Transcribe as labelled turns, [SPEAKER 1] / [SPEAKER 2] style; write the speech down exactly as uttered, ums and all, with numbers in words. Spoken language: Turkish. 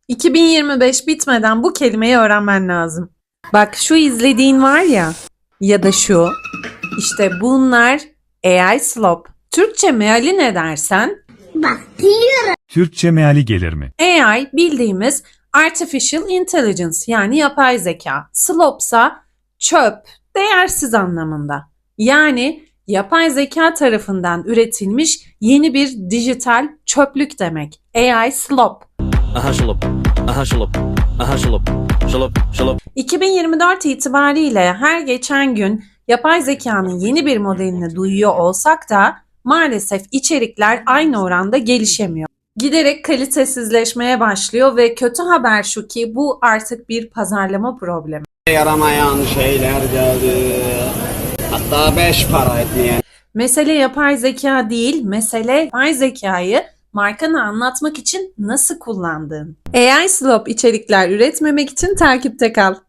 [SPEAKER 1] iki bin yirmi beş bitmeden bu kelimeyi öğrenmen lazım. Bak şu izlediğin var ya ya da şu. İşte bunlar A I slop. Türkçe meali ne dersen?
[SPEAKER 2] Bak biliyorum.
[SPEAKER 3] Türkçe meali gelir mi?
[SPEAKER 1] A I bildiğimiz Artificial Intelligence yani yapay zeka. Slopsa çöp, değersiz anlamında. Yani yapay zeka tarafından üretilmiş yeni bir dijital çöplük demek. A I slop.
[SPEAKER 4] Aha şılıp, aha şılıp, aha şılıp, şılıp, şılıp.
[SPEAKER 1] iki bin yirmi dört itibariyle her geçen gün yapay zekanın yeni bir modelini duyuyor olsak da maalesef içerikler aynı oranda gelişemiyor. Giderek kalitesizleşmeye başlıyor ve kötü haber şu ki bu artık bir pazarlama problemi.
[SPEAKER 5] Yaramayan şeyler geldi. Hatta beş para etmeyen.
[SPEAKER 1] Mesele yapay zeka değil, mesele yapay zekayı markanı anlatmak için nasıl kullandığın. A I slop içerikler üretmemek için takipte kal.